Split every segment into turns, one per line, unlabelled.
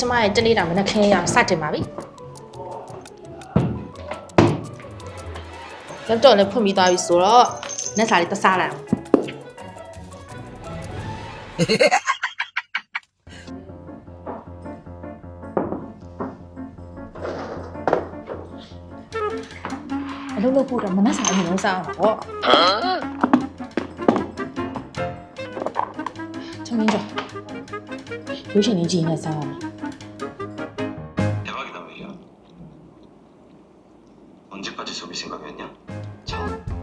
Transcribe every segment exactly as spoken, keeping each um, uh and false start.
မရဲ့တနေ့တာမနက်ခင်းရစတင်ပါပြီလက်တော့လည်းဖွင့်ပြီးသွားပြီဆိုတော့နက်စာလေးတစားလိုက်အလုပ်လုပ်ဖို့တော့မနက်စာအရင်လုံးစားအောင်ပေါ့သမင်းကြောရုပ်ရှင်လေးကြည့်နေစားအောင်
대박이다 메이야. 언제까지 속일 생각이었냐? 참.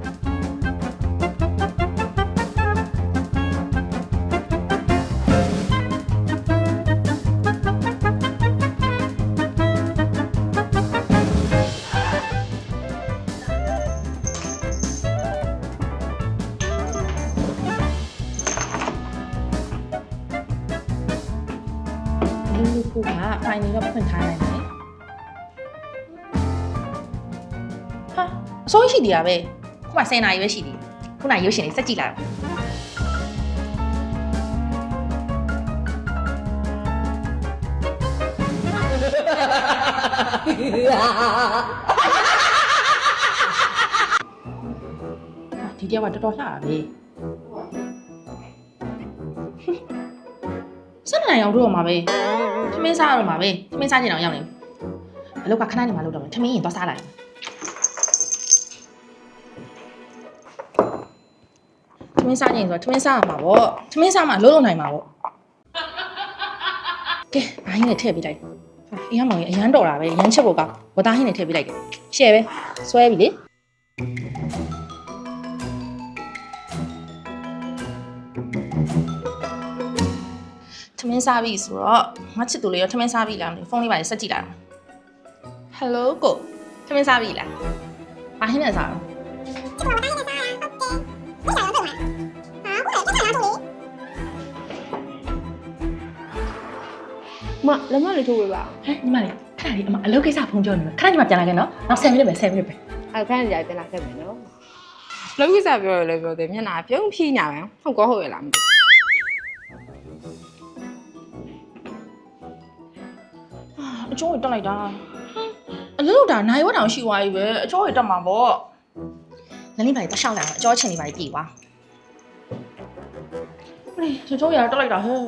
လူဖူကဖိုင်နေတော့ဖွင့်ထားနိုင်တယ်ဟာအစိုးရရှိသေးတာပဲခုမှဆယ်နာရီပဲရှိသေးတယ်ခုနရုပ်ရှင်လေးစက်ကြည့်လိုက်အောင်ဒီတယောက်ကတော်တော်လှတာပဲစနေနိုင်အောင်တို့ရမှာပဲထမင်းစားရတော့မှာပဲထမင်းစားချင်အောင်ရောက်နေအလုပ်ကခဏနေမှလုပ်တော့မယ်ထမင်းရင်သွားစားလိုက်ထမင်းစားချင်ဆိုတော့ထမင်းစားရမှာပေါ့ထမင်းစားမှလုံးလုံးနိုင်မှာပေါ့ကဲဘာဟင်းနဲ့ထည့်ပေးလိုက်အင်းမောင်ကြီးအရန်တော်တာပဲရမ်းချက်ဖို့ကောင်းဝသားဟင်းနဲ့ထည့်ပေးလိုက်တယ်ရှယ်ပဲဆွဲပြီလေထမင်းစားပြီဆိုတော့ငါချစ်သူလေးရောထမင်းစားပြီလားမသိဖုန်းလေးပါဆက်ကြည့်လိုက်အောင်ဟယ်လိုကိုထမင်းစားပြီလားဘာဟင်းနဲ့စားတော့
မလက်မလေးထိုးပေးပါ
ဟဲ့ညီမလေးခဏလေးအမအလုပ်ကိစ္စဖုန်းပြောနေမှာခဏညီမပြန်လာခဲ့နော်နောက်ဆယ်မိနစ်ပဲဆယ်မိနစ်ပဲ
အဲ့ခဏကြာပြန်လာခဲ့မယ်နော်လုံးကိစ္စပြောရလဲပြောတယ်မျက်နှာပြုံးဖြီးညာပဲဟုတ်ကောဟုတ်ရလားမသိ
အကျိုးရတက်လိုက်တာအလုပ်လုပ်တာနိုင်ဝတ်တောင်ရှိသွားပြီပဲအကျိုးရတက်မှာပေါ့လင်းလေးပါလေးတရှောက်လိုက်အောင်အကျိုးချင်းလေးပါလေးပြေးသွားဟေးအကျိုးရတက်လိုက်တာဟဲ့ဟဲ့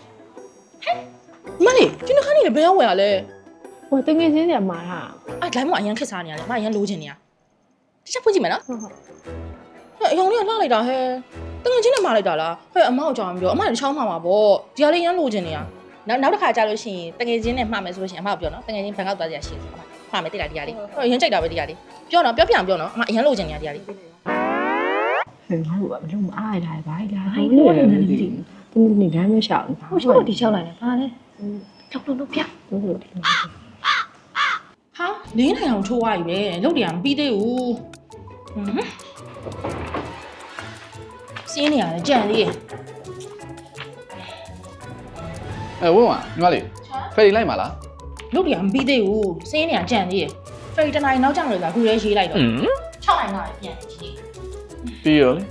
မလေးဒီနှခမ်းနေလည်းဘယ်ရောက်ဝယ်ရလဲ
ဟိုတငယ်ချင်းတွေမှာဟာ
အဲ့လိုင်းမအရင်ခက်စားနေရတယ်အမအရင်လိုချင်နေရတစ်ချက်ဖွင့်ကြည့်မယ်နော်
ဟုတ်ဟုတ်
ဟဲ့အယောင်လေးကလှလိုက်တာဟဲ့တငယ်ချင်းနဲ့မှားလိုက်တာလားဟဲ့အမအောင်ကြောင်ပြောအမလည်းချောင်းမှာပါပေါ့ဒီဟာလေးရမ်းလိုချင်နေရနောက်နောက်တစ်ခါကြာလို့ရှိရင်တငယ်ချင်းနဲ့မှားမယ်ဆိုလို့ရှိရင်အမကပြောနော်တငယ်ချင်းဘန်ကောက်သွားကြရရှိတယ်အမမှားမယ်တိတ်လားဒီဟာလေးဟဲ့အရင်ကြိုက်တာပဲဒီဟာလေးပြောနော်ပြောပြအောင်ပြောနော်အမအရင်လိုချင်နေရဒီဟာလေး
ဟဲ့ငါ့ဘာမလို့မအားရတာဘာလဲဟိုနေနေနေဒီနေဒမ်းမရှောင်း
ဟိုချို့ဒီချောက်လိုက်တယ်ဘာလဲလောက်လုံးလုံးပြ
ဟုတ်ဟုတ်
ဟာလင်းနိုင်အောင်ထိုးသွားပြီပဲလုတ်တယ်မပြီးသေးဘူးဟွန်းစီးနေရတယ်ကြံသေးရဲ့
အဲဝင်းဝါညီမလေးဖယ်ရီလိုက်ပါလား
လုတ်တယ်မပြီးသေးဘူးစီးနေရကြံသေးရဲ့ဖယ်ရီတနိုင်နောက်ကျလို့ဆိုတာခုလေးရေးလိုက်တော့ခြောက်နိုင်တော့ပြန်ရေး
ပြီးရောလေ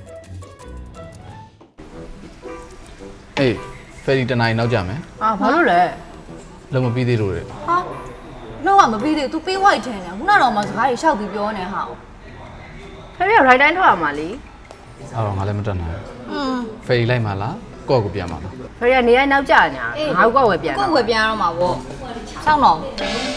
အေးဖယ်ရီတနိုင်နောက်ကြမယ်
အာဘာလို့လဲ
လုံးမပြီးသေးလို့လေ
ဟာလုံးဝမပြီးသေး तू ပေးဝိုက်ချင်တယ်ခုနတော့မှစကားကြီးရှောက်ပြီးပြောနေဟာ
ဖယ်ရရိုက်တိုင်းထွက်ရမှာလी
အဲ့တော့ငါလည်းမတက်နိုင်
อืม
ဖယ်ရီလိုက်ပါလားကော့ကိုပြန်ပါလား
ဖယ်ရနေရနောက်ကြညာငါ့ကောဝယ်ပြန်
ကိုယ်ဝယ်ပြန်ရတော့မှာပေါ့စောင့်တော့
ဟ